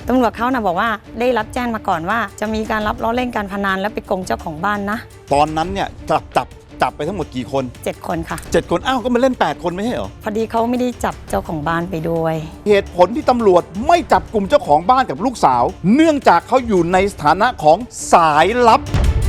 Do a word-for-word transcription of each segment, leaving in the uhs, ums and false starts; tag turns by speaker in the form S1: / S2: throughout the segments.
S1: ตำรวจเขานะบอกว่าได้รับแจ้งมาก่อนว่าจะมีการรับล้อเล่นการพนันและไปโกงเจ้าของบ้านนะ
S2: ตอนนั้นเนี่ยจับจับจับไปทั้งหมดกี่คน
S1: เจ็ดคนค่ะ
S2: เจ็ดคนอ้าวก็มาเล่นแปดคนไม่ใช่เหรอ
S1: พอดีเขาไม่ได้จับเจ้าของบ้านไปด้วย
S2: เหตุผลที่ตำรวจไม่จับกลุ่มเจ้าของบ้านกับลูกสาวเนื่องจากเขาอยู่ในสถานะของสายลับ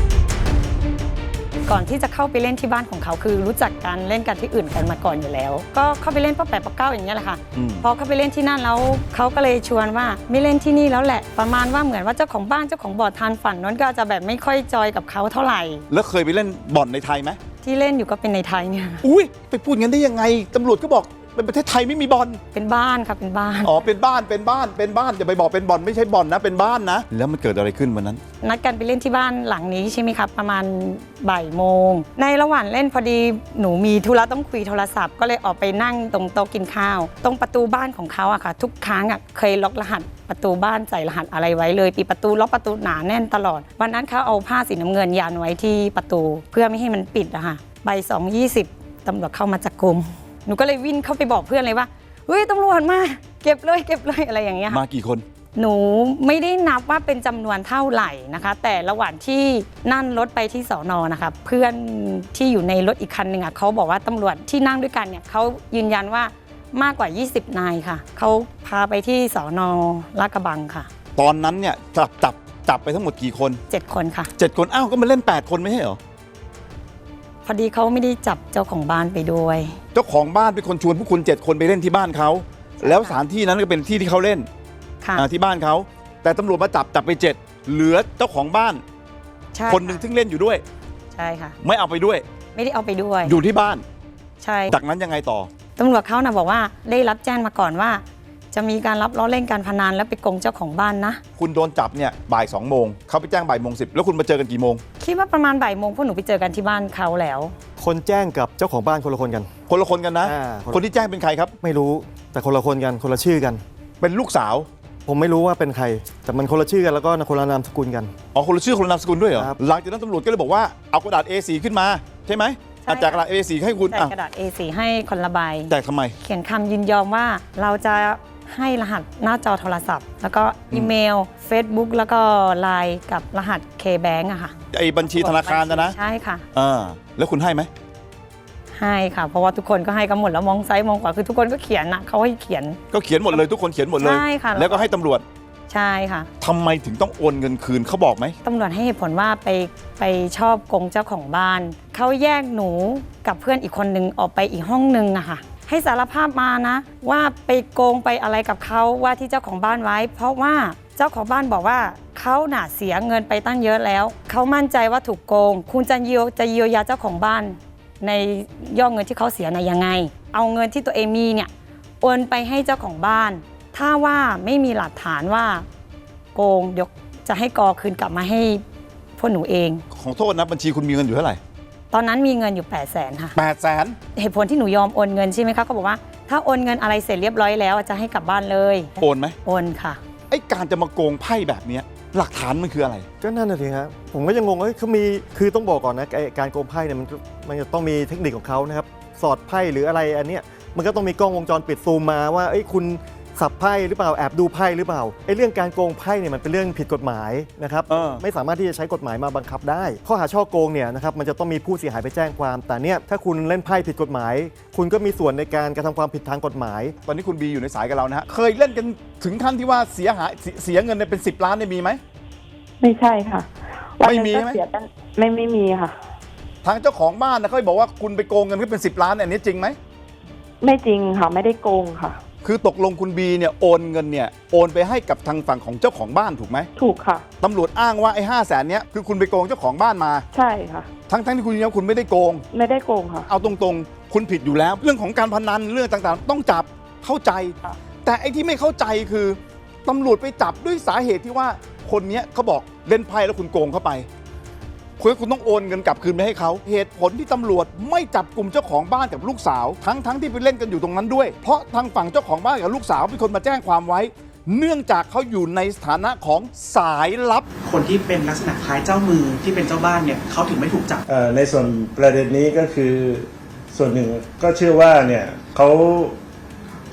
S1: ก่อนที่จะเข้าไปเล่นที่บ้านของเขาคือรู้จักกันเล่นกันที่อื่นกันมาก่อนอยู่แล้วก็เข้าไปเล่นป้าแปะป้าเก้าอย่างเงี้ยแหละค่ะพอเข้าไปเล่นที่นั่นแล้วเขาก็เลยชวนว่าไม่เล่นที่นี่แล้วแหละประมาณว่าเหมือนว่าเจ้าของบ้านเจ้าของบ่อทานฝันนั้นก็จะแบบไม่ค่อยจอยกับเขาเท่าไหร่
S2: แล้วเคยไปเล่นบ่อนในไทยไหม
S1: ที่เล่นอยู่ก็เป็นในไทยเนี่ย
S2: อุ้ยไปพูดงั้นได้ยังไงตำรวจก็บอกเป็นประเทศไทยไม่มีบ่อน
S1: เป็นบ้านครับเป็นบ้าน
S2: อ๋อเป็นบ้านเป็นบ้านเป็นบ้านอย่าไปบอกเป็นบ่อนไม่ใช่บ่อนนะเป็นบ้านนะแล้วมันเกิดอะไรขึ้นวันนั้น
S1: นัดกันไปเล่นที่บ้านหลังนี้ใช่ไหมครับประมาณบ่ายโมงในระหว่างเล่นพอดีหนูมีธุระต้องคุยโทรศัพท์ก็เลยออกไปนั่งตรงโต๊ะกินข้าวตรงประตูบ้านของเขาอะค่ะทุกครั้งอะเคยล็อกรหัสประตูบ้านใส่รหัสอะไรไว้เลยปิดประตูล็อกประตูหนาแน่นตลอดวันนั้นเขาเอาผ้าสีน้ำเงินยันไว้ที่ประตูเพื่อไม่ให้มันปิดอะค่ะบ่ายสองยี่สิบตำรวจเข้ามาจับกุมหนูก็เลยวิ่งเข้าไปบอกเพื่อนเลยว่าเฮ้ยตำรวจมาเก็บเลยเก็บเลยอะไรอย่างเงี้ย
S2: มากี่คน
S1: หนูไม่ได้นับว่าเป็นจำนวนเท่าไหร่นะคะแต่ระหว่างที่นั่งรถไปที่สอนอนะคะเพื่อนที่อยู่ในรถอีกคันหนึ่งอ่ะเขาบอกว่าตำรวจที่นั่งด้วยกันเนี่ยเขายืนยันว่ามากกว่ายี่สิบนายค่ะเขาพาไปที่สอนอลาดกระบังค่ะ
S2: ตอนนั้นเนี่ยจับจับจับไปทั้งหมดกี่คน
S1: เจ็ดคนค่ะ
S2: เจ็ดคนอ้าวก็มาเล่นแปดคนไม่ใช่เหรอ
S1: พอดีเขาไม่ได้จับเจ้าของบ้านไปด้วย
S2: เจ้าของบ้านเป็นคนชวนพวกคุณเจ็ดคนไปเล่นที่บ้านเขาแล้วสถานที่นั้นก็เป็นที่ที่เขาเล่นที่บ้านเขาแต่ตำรวจมาจับจับไปเจ็ดเหลือเจ้าของบ้านคนหนึ่งซึ่งเล่นอยู่ด้วย
S1: ใช่ค่ะ
S2: ไม่เอาไปด้วย
S1: ไม่ได้เอาไปด้วย
S2: อยู่ที่บ้าน
S1: ใช่
S2: จากนั้นยังไงต่อ
S1: ตำรวจเขานะบอกว่าได้รับแจ้งมาก่อนว่าจะมีการรับล้อเล่นการพนันและไปโกงเจ้าของบ้านนะ
S2: คุณโดนจับเนี่ยบ่ายสองโมงเขาไปแจ้งบ่ายโมงสิบแล้วคุณมาเจอกันกี่โมง
S1: คิดว่าประมาณบ่ายโมงพวกหนูไปเจอกันที่บ้านเขาแล้ว
S3: คนแจ้งกับเจ้าของบ้านคนละคนกัน
S2: คนละคนกันนะคนที่แจ้งเป็นใครครับ
S3: ไม่รู้แต่คนละคนกันคนละชื่อกัน
S2: เป็นลูกสาว
S3: ผมไม่รู้ว่าเป็นใครแต่มันคนละชื่อกันแล้วก็คนละนามสกุลกัน
S2: อ๋อคนละชื่อคนละนามสกุลด้วยเหรอหลังจากนั้นตำรวจก็เลยบอกว่าเอากระดาษ เอ สี่ ขึ้นมาใช่ไหมแจกกระดาษ เอ สี่ ให้คุณ
S1: แจกกระดาษ เอ สี่ ให้คนละใบ
S2: แจกทำไม
S1: เขียนคำยินยอมว่าเราจะให้รหัสหน้าจอโทรศัพท์แล้วก็อีเมล Facebook แล้วก็ไลน์กับรหัส K-Bank อะค่ะ
S2: ไอ้บัญชีธนาคารนะนะ
S1: ใช่ค่ะ
S2: อ่าแล้วคุณให้ไหม
S1: ให้ค่ะเพราะว่าทุกคนก็ให้กันหมดแล้วมองซ้ายมองขวาคือทุกคนก็เขียนนะเขาให้เขียน
S2: ก็เขียนหมดเลยทุกคนเขียนหมดเลย
S1: ใช่ค่ะ
S2: แล้วก็ให้ตำรวจ
S1: ใช่ค่ะ
S2: ทำไมถึงต้องโอนเงินคืนเขาบอกไหม
S1: ตำรวจให้เหตุผลว่าไปไปชอบโกงเจ้าของบ้านเขาแยกหนูกับเพื่อนอีกคนนึงออกไปอีกห้องนึงอะค่ะให้สารภาพมานะว่าไปโกงไปอะไรกับเขาว่าที่เจ้าของบ้านไว้เพราะว่าเจ้าของบ้านบอกว่าเขาหน่าเสียเงินไปตั้งเยอะแล้วเขามั่นใจว่าถูกโกงคุณจะเยียวจะเยียวยาเจ้าของบ้านในยอดเงินที่เขาเสียในยังไงเอาเงินที่ตัวเองมีเนี่ยโอนไปให้เจ้าของบ้านถ้าว่าไม่มีหลักฐานว่าโกงเดี๋ยวจะให้กอคืนกลับมาให้พวกหนูเอง
S2: ของโทษนะบัญชีคุณมีเงินอยู่เท่าไหร่
S1: ตอนนั้นมีเงินอยู่แปดแสนค่ะ
S2: แปดแสน
S1: เหตุผลที่หนูยอมโอนเงินใช่ไหมคะเขาบอกว่าถ้าโอนเงินอะไรเสร็จเรียบร้อยแล้วจะให้กลับบ้านเลย
S2: โอนไหม
S1: โอนค่ะ
S2: ไอ้การจะมาโกงไพ่แบบนี้หลักฐานมันคืออะไร
S3: ก็นั่นน่ะสิครับผมก็ยังงงว่าเขามีคือต้องบอกก่อนนะการโกงไพ่เนี่ยมันมันจะต้องมีเทคนิคของเขานะครับสอดไพ่หรืออะไรอันเนี้ยมันก็ต้องมีกล้องวงจรปิดซูมมาว่าไอ้คุณสับไพ่หรือเปล่าแอบดูไพ่หรือเปล่าไอ้เรื่องการโกงไพ่เนี่ยมันเป็นเรื่องผิดกฎหมายนะครับไม่สามารถที่จะใช้กฎหมายมาบังคับได้ข้อหาช่อโกงเนี่ยนะครับมันจะต้องมีผู้เสียหายไปแจ้งความแต่เนี่ยถ้าคุณเล่นไพ่ผิดกฎหมายคุณก็มีส่วนในการกระทำความผิดทางกฎหมาย
S2: ตอนนี้คุณบีอยู่ในสายกับเรานะฮะเคยเล่นกันถึงขั้นที่ว่าเสียหายเสียเงินเป็นสิบล้านเนี่ยมีไหม
S4: ไม่ใช่ค่ะ
S2: ไม่มีไหม
S4: ไม่ไม่มีค่ะ
S2: ทางเจ้าของบ้านนะเขาบอกว่าคุณไปโกงเงินเขาเป็นสิบล้านอันนี้จริงไหม
S4: ไม่จริงค่ะไม่ได้โกงค่ะ
S2: คือตกลงคุณบีเนี่ยโอนเงินเนี่ยโอนไปให้กับทางฝั่งของเจ้าของบ้านถูกไหม
S4: ถูกค่ะ
S2: ตำรวจอ้างว่าไอ้ห้าแสนเนี้ยคือคุณไปโกงเจ้าของบ้านมา
S4: ใช่ค่ะ
S2: ทั้งทั้งที่คุณยืนยันคุณไม่ได้โกง
S4: ไม่ได้โกงค่ะ
S2: เอาตรงๆคุณผิดอยู่แล้วเรื่องของการพนันเรื่องต่างๆต้องจับเข้าใจแต่ไอ้ที่ไม่เข้าใจคือตำรวจไปจับด้วยสาเหตุที่ว่าคนนี้เขาบอกเล่นไพ่แล้วคุณโกงเข้าไปคุณคุณต้องโอนเงินกลับคืนไปให้เขาเหตุผลที่ตำรวจไม่จับกลุ่มเจ้าของบ้านกับลูกสาวทั้งทั้งที่ไปเล่นกันอยู่ตรงนั้นด้วยเพราะทางฝั่งเจ้าของบ้านกับลูกสาวเป็นคนมาแจ้งความไว้เนื่องจากเขาอยู่ในสถานะของสายลับ
S5: คนที่เป็นลักษณะคล้ายเจ้ามือที่เป็นเจ้าบ้านเนี่ยเขาถึงไม่ถูกจับ
S6: ในส่วนประเด็นนี้ก็คือส่วนหนึ่งก็เชื่อว่าเนี่ยเขา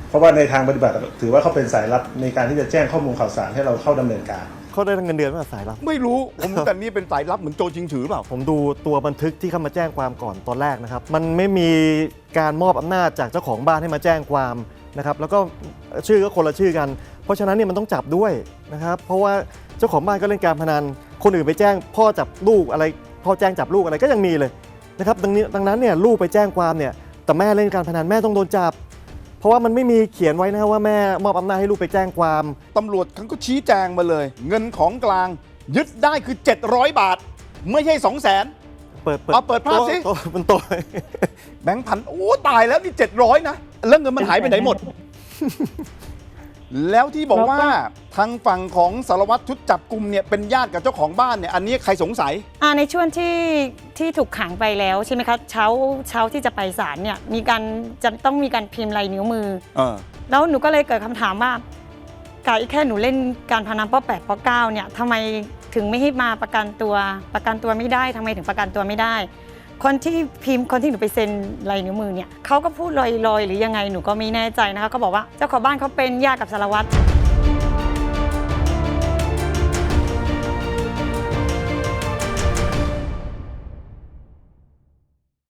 S6: เพราะว่าในทางปฏิบัติถือว่าเขาเป็นสายลับในการที่จะแจ้งข้อมูลข่าวสารให้เราเข้าดำเนินการ
S3: เขาได้เงินเดือนมาสายลับ
S2: ไม่รู้ผมแต่นี่เป็นสายลับเหมือนโจรชิงถือเปล่า
S3: ผมดูตัวบันทึกที่เข้ามาแจ้งความก่อนตอนแรกนะครับมันไม่มีการมอบอำนาจจากเจ้าของบ้านให้มาแจ้งความนะครับแล้วก็ชื่อก็คนละชื่อกัน เพราะฉะนั้นเนี่ยมันต้องจับด้วยนะครับเพราะว่าเจ้าของบ้านก็เล่นการพนันคนอื่นไปแจ้งพ่อจับลูกอะไรพ่อแจ้งจับลูกอะไรก็ยังมีเลยนะครับดังนี้ดังนั้นเนี่ยลูกไปแจ้งความเนี่ยแต่แม่เล่นการพนันแม่ต้องโดนจับเพราะว่ามันไม่มีเขียนไว้นะว่าแม่มอบอำนาจให้ลูกไปแจ้งความ
S2: ตำรวจเขาก็ชี้แจงมาเลย เงินของกลางยึดได้คือเจ็ดร้อยบาทไม่ใช่ สองแสน
S3: เปิด
S2: เอาเปิดภาพสิ
S3: โต๊ะบนโต๊ะ
S2: แบงค์พันโอ้ตายแล้วนี่เจ็ดร้อยนะแล้วเงินมันหายไปไหนหมด แล้วที่บอกว่าทางฝั่งของสารวัตรชุดจับกลุ่มเนี่ยเป็นญาติกับเจ้าของบ้านเนี่ยอันนี้ใครสงสัย
S1: อ่าในช่วงที่ที่ถูกขังไปแล้วใช่ไหมคะเช้าเช้าที่จะไปศาลเนี่ยมีการจะต้องมีการพิมพ์ลายนิ้วมือ
S2: เออ
S1: แล้วหนูก็เลยเกิดคำถามว่าการแค่หนูเล่นการพนันป้อแปดป้อเก้าเนี่ยทำไมถึงไม่ให้มาประกันตัวประกันตัวไม่ได้ทำไมถึงประกันตัวไม่ได้ คนที่พิมพ์คนที่หนูไปเซ็นลายนิ้วมือเนี่ยเขาก็พูดลอยๆหรือยังไงหนูก็ไม่แน่ใจนะคะเขาบอกว่าเจ้าของบ้านเขาเป็นญาติกับสารวัตร